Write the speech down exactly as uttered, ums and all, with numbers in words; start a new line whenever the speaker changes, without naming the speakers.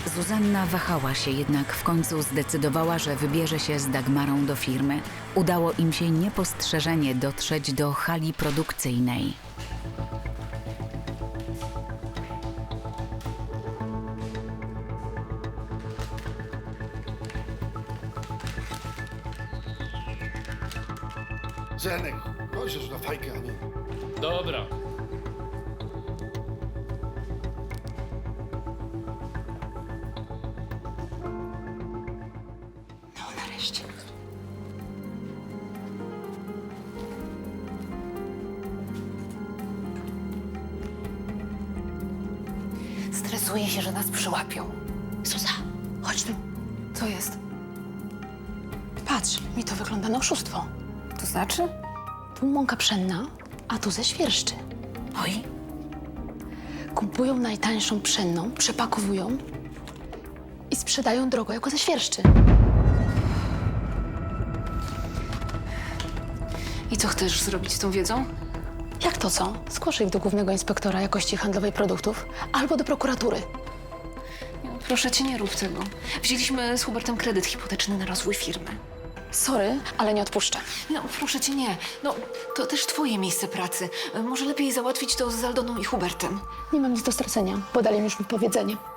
Zuzanna wahała się, jednak w końcu zdecydowała, że wybierze się z Dagmarą do firmy. Udało im się niepostrzeżenie dotrzeć do hali produkcyjnej.
Zenek, chodź już na fajkę, a nie...
Dobra.
No nareszcie. Stresuję się, że nas przyłapią. Zuza, chodź tu. Co jest? Patrz, mi to wygląda na oszustwo. To znaczy? Tu mąka pszenna, a tu ze świerszczy. Oj. Kupują najtańszą pszenną, przepakowują i sprzedają drogo jako ze świerszczy.
I co chcesz zrobić z tą wiedzą?
Jak to co? Zgłoszę ich do Głównego Inspektora Jakości Handlowej Produktów albo do prokuratury.
Nie, no, proszę cię, nie rób tego. Wzięliśmy z Hubertem kredyt hipoteczny na rozwój firmy.
Sorry, ale nie odpuszczę.
No, proszę cię, nie. No, to też twoje miejsce pracy. Może lepiej załatwić to z Aldoną i Hubertem.
Nie mam nic do stracenia, bo dali mi już wypowiedzenie.